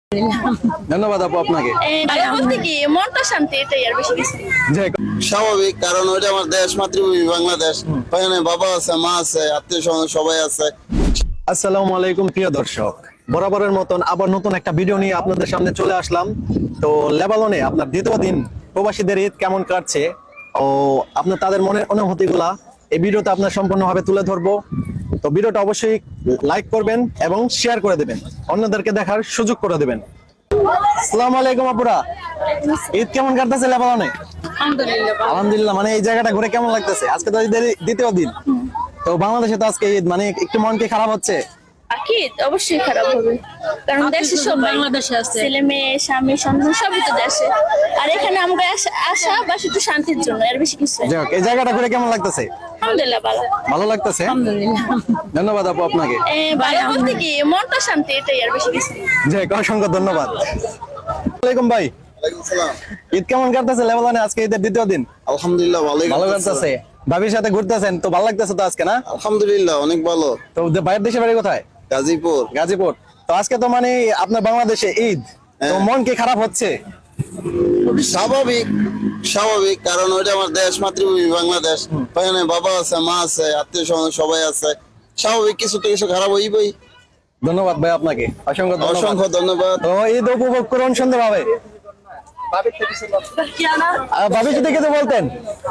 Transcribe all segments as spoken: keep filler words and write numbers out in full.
ধন্যবাদ আপু আপনাকে। বলতে কি মনটা শান্তি, এটাই আর বেশি কিছু স্বাভাবিক, কারণ ওইটা আমার দেশ, মাতৃভূমি বাংলাদেশ। ওখানে বাবা আছে, মা আছে, আত্মীয় স্বজন সবাই আছে। আসসালামু আলাইকুম প্রিয় দর্শক, বরাবরের মতন আবার নতুন একটা ভিডিও নিয়ে আপনাদের সামনে চলে আসলাম। তো লেবাননে আপনার দ্বিতীয় দিন প্রবাসীদের ঈদ কেমন কাটছে ও আপনার তাদের মনের অনুভূতিগুলা এই ভিডিওতে আপনার সম্পূর্ণভাবে তুলে ধরবো। তো ভিডিওটা অবশ্যই লাইক করবেন এবং শেয়ার করে দেবেন, অন্যদেরকে দেখার সুযোগ করে দেবেন। আসসালামু আলাইকুম আপুরা, ঈদ কেমন কাটতেছে লেবাননে? আলহামদুলিল্লাহ। মানে এই জায়গাটা ঘুরে কেমন লাগতেছে? আজকে তো ঈদের দ্বিতীয় দিন, তো বাংলাদেশে তো আজকে ঈদ, মানে একটু মন কি খারাপ হচ্ছে? আকিদ অবশ্যই খারাপ হবে, কারণ দেশে সব বাংলাদেশে আছে, ছেলে মেয়ে স্বামী সন্তান সবই তো দেশে। আর এখানে আমরা আসা বা শুধু শান্তির জন্য, এর বেশি কিছু না। যাক, এই জায়গাটা ঘুরে কেমন লাগতেছে? আলহামদুলিল্লাহ ভালো ভালো লাগতেছে। ধন্যবাদ আপু আপনাকে। ভালো বলতে কি মনটা শান্তি, এটাই আর বেশি কিছু না। যাক, অসংখ্য ধন্যবাদ। আসসালামু আলাইকুম ভাই, ওয়ালাইকুম সালাম। ঈদ কেমন কাটতেছে লেবাননে? আজকে ঈদের দ্বিতীয় দিন। আলহামদুলিল্লাহ ভালোই ভালো কাটতেছে। কাটতেছে। ভাবির সাথে ঘুরতেছেন তো ভালো লাগতেছে তো আজকে, না? আলহামদুলিল্লাহ অনেক ভালো। তো বাইরের দেশে বাড়ি কোথায়? গাজীপুর। গাজীপুর। তো আজকে তো মানে আপনার বাংলাদেশে ঈদ, তো মন কি খারাপ হচ্ছে? স্বাভাবিক স্বাভাবিক, কারণ ওইটা আমার দেশ, মাতৃভূমি বাংলাদেশ। ওখানে বাবা আছে, মা আছে, আত্মীয় স্বজন সবাই আছে। স্বাভাবিক, কিছু তো কিছু খারাপ হইবই। ধন্যবাদ ভাই আপনাকে, অসংখ্য ধন্যবাদ। অসংখ্য ধন্যবাদ। তো ঈদ উপভোগ করুন সুন্দরভাবে। ভাবি যদি কিছু বলতেন।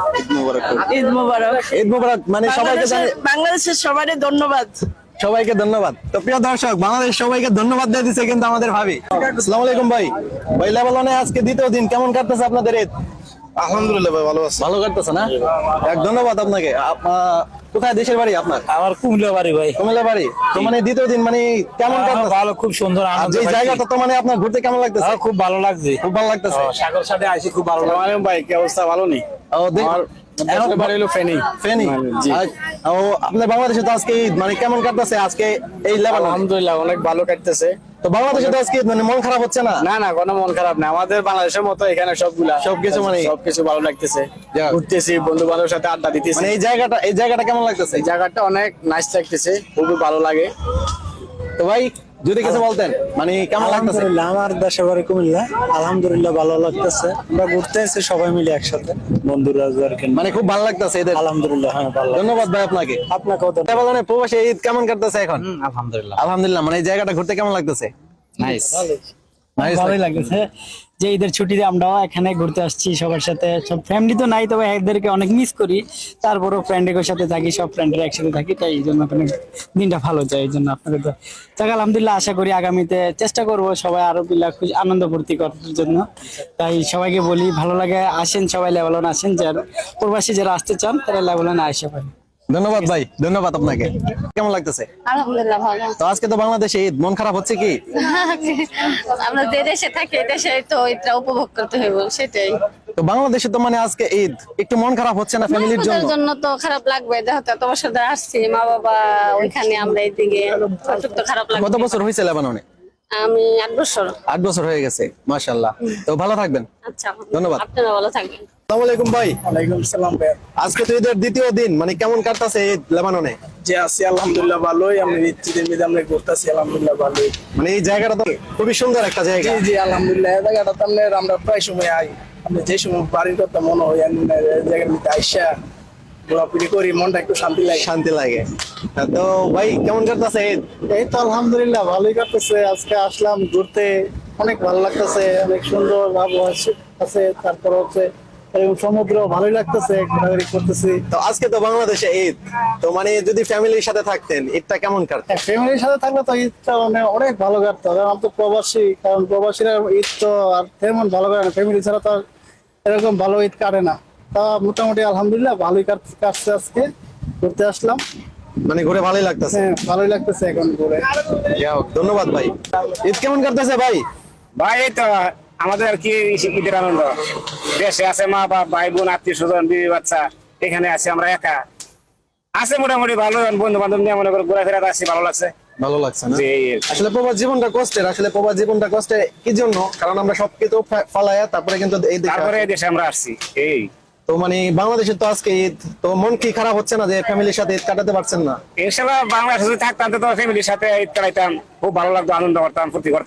ঈদ মোবারক। ঈদ মোবারক। মানে সবাইকে জানি- বাংলাদেশের সবারই ধন্যবাদ। সবাইকে ধন্যবাদ। তো প্রিয় দর্শক, বাংলাদেশ সবাইকে ধন্যবাদ দিয়ে দিচ্ছে কিন্তু আমাদের ভাবি। আসসালামু আলাইকুম ভাই। ভাই লেবাননে আজকে দ্বিতীয় দিন, কেমন কাটতেছে আপনাদের ঈদ? আলহামদুলিল্লাহ ভাই, ভালো আছে। ভালো কাটতেছে না? এক ধন্যবাদ আপনাকে। আপ- কোথায় দেশের বাড়ি আপনার? আমার কুমিল্লা বাড়ি ভাই। কুমিল্লা বাড়ি। তো মানে দ্বিতীয় দিন মানে কেমন কাটতেছে? ভালো, খুব সুন্দর আর আনন্দ যে পাইছি। জায়গাটা তো মানে আপনার ঘুরতে কেমন লাগতেছে? আমার খুব ভালো লাগছে, খুব ভালো লাগতেছে। সাগর সাথে আইসি, খুব ভালো লাগছে ভাই, কি অবস্থা? ভালো নেই। ও দেখ- এখন বাড়ি হলো ফেনী। ফেনী। জি। আর- ও আপনার বাংলাদেশে তো আজকে ঈদ, মানে কেমন কাটতেছে আজকে এই লেবানন? আলহামদুলিল্লাহ অনেক ভালো কাটতেছে। তো বাংলাদেশে তো আজকে ঈদ, মানে মন খারাপ হচ্ছে না? না না, কোনো মন খারাপ না। আমাদের বাংলাদেশের মতো এখানে সবগুলা সবকিছু মানে- সবকিছু ভালো লাগতেছে। যাক। ঘুরতেছি, বন্ধু বান্ধবের সাথে আড্ডা দিতেছি। মানে এই জায়গাটা এই জায়গাটা কেমন লাগতেছে? এই জায়গাটা অনেক নাইস লাগতেছে, খুবই ভালো লাগে। তো ভাই যদি কিছু বলতেন, মানে কেমন লাগতেছে? আলহামদুলিল্লাহ, আমার দেশের বাড়ি কুমিল্লা। আলহামদুলিল্লাহ ভালো লাগতেছে, আমরা ঘুরতে এসেছি সবাই মিলে একসাথে, বন্ধুরা আর কি। মানে খুব ভালো লাগতেছে এদের। আলহামদুলিল্লাহ, হ্যাঁ ভালো। ধন্যবাদ ভাই আপনাকে। আপনাকেও তো। লেবাননে প্রবাসী ঈদ কেমন কাটতেছে এখন? আলহামদুলিল্লাহ আলহামদুলিল্লাহ। মানে এই জায়গাটা ঘুরতে কেমন লাগতেছে? নাইস, Nice ভালোই লাগতেছে যে ঈদের ছুটিতে আমরা এখানে ঘুরতে আসছি সবার সাথে। সব ফ্যামিলি তো নাই, তবে এদেরকে অনেক মিস করি। তারপরও ফ্রেন্ডের সাথে থাকি, সব ফ্রেন্ডের একসাথে থাকি, তাই এই জন্য আপনার দিনটা ভালো যায়। এই জন্য আপনাদের তো যাক আলহামদুলিল্লাহ, আশা করি আগামীতে চেষ্টা করব সবাই আরো বিলা খুশি আনন্দ ফুর্তি করার জন্য। তাই সবাইকে বলি ভালো লাগে, আসেন সবাই লেবানন আসেন, যারা প্রবাসী যারা আসতে চান তারা লেবাননে আসে পারে। ধন্যবাদ ভাই, ধন্যবাদ আপনাকে। কেমন লাগতেছে? আলহামদুলিল্লাহ ভালো। তো আজকে তো বাংলাদেশে ঈদ, মন খারাপ হচ্ছে কি? আমরা যে দেশে থাকি, দেশে তো এটা উপভোগ করতে হইব, সেটাই। তো বাংলাদেশে তো মানে আজকে ঈদ, একটু মন খারাপ হচ্ছে না ফ্যামিলির জন্য? আমাদের জন্য তো খারাপ লাগবে, যেহেতু এত বছর ধরে আসছি, মা বাবা ওইখানে, আমরা এইদিকে, একটু তো খারাপ লাগবে। কত বছর হয়েছে লেবাননে? আমি আট বছর। আট বছর হয়ে গেছে, মাশাআল্লাহ। তো ভালো থাকবেন। আচ্ছা, ধন্যবাদ। আপনারা ভালো থাকবেন। আসসালামু আলাইকুম ভাই। ওয়ালাইকুম সালাম ভাই। আজকে তো ঈদের দ্বিতীয় দিন, মানে কেমন কাটতেছে ঈদ লেবাননে? যে আছি আলহামদুলিল্লাহ ভালোই, আমরা ঈদের মধ্যে আমরা ঘুরতেছি আলহামদুলিল্লাহ ভালোই। মানে এই জায়গাটা তো খুবই সুন্দর একটা জায়গা। জি জি আলহামদুলিল্লাহ, এই জায়গাটা তো আমরা আমরা প্রায় সময় আই, আমরা যে সময় বাড়ির কথা মনে হয় এই জায়গার মধ্যে আইসা ঘোরাঘুরি করি, মনটা একটু শান্তি লাগে। শান্তি লাগে। তো ভাই কেমন কাটতেছে ঈদ? এই তো আলহামদুলিল্লাহ ভালোই কাটতেছে। আজকে আসলাম ঘুরতে, অনেক ভালো লাগতেছে, অনেক সুন্দর আবহাওয়া আছে। তারপর হচ্ছে এরকম সমুদ্র, ভালোই লাগতেছে, ঘোরাঘুরি করতেছি। তো আজকে তো বাংলাদেশে ঈদ, তো মানে যদি ফ্যামিলির সাথে থাকতেন ঈদটা কেমন কাটতেন? ফ্যামিলির সাথে থাকলে তো ঈদটা মানে অনেক ভালো কাটতো, কারণ আমি তো প্রবাসী, কারণ প্রবাসীরা ঈদ তো আর তেমন ভালো কাটে না, ফ্যামিলি ছাড়া তো আর এরকম ভালো ঈদ কাটে না। তা মোটামুটি আলহামদুলিল্লাহ ভালোই কাট- কাটছে। আজকে ঘুরতে আসলাম, মানে ঘুরে ভালোই লাগতেছে। হ্যাঁ ভালোই লাগতেছে এখন ঘুরে। যাই হোক, ধন্যবাদ ভাই। ঈদ কেমন কাটতেছে ভাই? ভাই এই তো আমাদের আর কি ঈদের আনন্দ। দেশে আছে মা বাবা, ভাই বোন, আত্মীয় স্বজন, বিবি বাচ্চা, এখানে আছি আমরা একা। আছে মোটামুটি ভালো, বন্ধু বান্ধব নিয়ে মনে করো ঘোরাফেরা আসছি, ভালো লাগছে। ভালো লাগছে না? জি, এই আর কি। আসলে প্রবাস জীবনটা কষ্টের, আসলে প্রবাস জীবনটা কষ্টের কি জন্য? কারণ আমরা সবকিছু ফা- ফালায়া তারপরে কিন্তু এই দেশে তারপরে আসি। এই দেশে আমরা আসছি। এই তো মানে বাংলাদেশে তো আজকে ঈদ, তো মন কি খারাপ হচ্ছে না যে ফ্যামিলির সাথে ঈদ কাটাতে পারছেন না? ইনশাল্লাহ বাংলাদেশে যদি থাকতাম তো ফ্যামিলির সাথে ঈদ কাটাইতাম, খুব ভালো লাগতো, আনন্দ করতাম, ফুর্তি করতাম।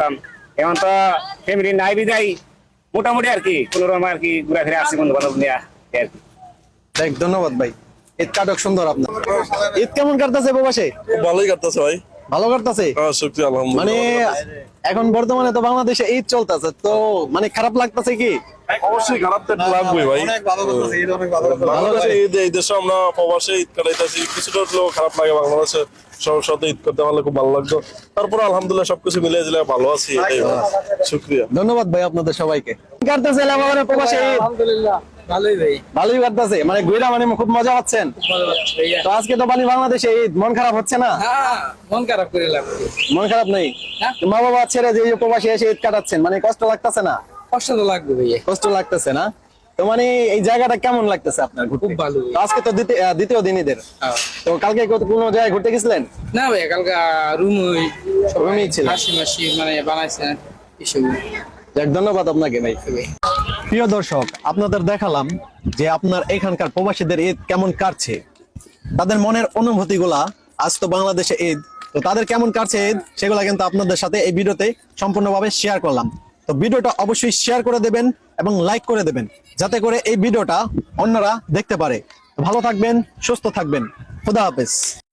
এখন তো ফ্যামিলি নাই বিদায় মোটামুটি আর কি কোন রকম আর কি ঘোরাফেরা আসছে বন্ধু বান্ধব নিয়ে আর কি। দেখ ধন্যবাদ ভাই, ঈদ কাটক সুন্দর আপনার। ঈদ কেমন কাটতেছে প্রবাসে? ভালোই কাটতেছে ভাই। ভালো কাটতেছে? হ্যাঁ শুকরিয়া আলহামদুলিল্লাহ। মানে এখন বর্তমানে তো বাংলাদেশে ঈদ চলতেছে, তো মানে খারাপ লাগতেছে কি? অবশ্যই খারাপ তো লাগবে ভাই। বাংলাদেশে ঈদ এই দেশে আমরা প্রবাসে ঈদ কাটাইতেছি, কিছুটা হলেও খারাপ লাগে। বাংলাদেশে সবার সাথে ঈদ করতে পারলে খুব ভালো লাগতো। তারপর আলহামদুলিল্লাহ সবকিছু মিলে দিলে ভালো আছি, এটাই শুকরিয়া। ধন্যবাদ ভাই আপনাদের সবাইকে। কাটতেছে লেবাননের প্রবাসে ঈদ? আলহামদুলিল্লাহ ভালোই ভাই। ভালোই কাটতেছে, মানে ঘুরা মানে খুব মজা পাচ্ছেন? তো আজকে তো মানে বাংলাদেশে ঈদ, মন খারাপ হচ্ছে না? হ্যাঁ মন খারাপ করে লাগবে। মন খারাপ নেই? মা বাবা ছেড়ে যে এই যে প্রবাসে এসে ঈদ কাটাচ্ছেন, মানে কষ্ট লাগতেছে না? কষ্ট তো লাগবে ভাই। কষ্ট লাগতেছে না? তো মানে এই জায়গাটা কেমন লাগতেছে আপনার ঘুরতে? খুব ভালো। তো আজকে তো দ্বিতীয় আহ, দ্বিতীয় দিন ঈদের, তো কালকে কত- কোনো জায়গায় ঘুরতে গেছিলেন? না ভাই কালকে রুম ওই রুমেই ছিলেন? হাসি মাসি মানে বানাইছেন এসব। যাক ধন্যবাদ আপনাকে ভাই। প্রিয় দর্শক, আপনাদের দেখালাম যে আপনার এখানকার প্রবাসীদের ঈদ কেমন কাটছে, তাদের মনের অনুভূতি গুলা। আজ তো বাংলাদেশে ঈদ, তো তাদের কেমন কাটছে ঈদ সেগুলা কিন্তু আপনাদের সাথে এই ভিডিওতে সম্পূর্ণভাবে শেয়ার করলাম। তো ভিডিওটা অবশ্যই শেয়ার করে দেবেন এবং লাইক করে দেবেন, যাতে করে এই ভিডিওটা অন্যরা দেখতে পারে। ভালো থাকবেন, সুস্থ থাকবেন, খুদা হাফেজ।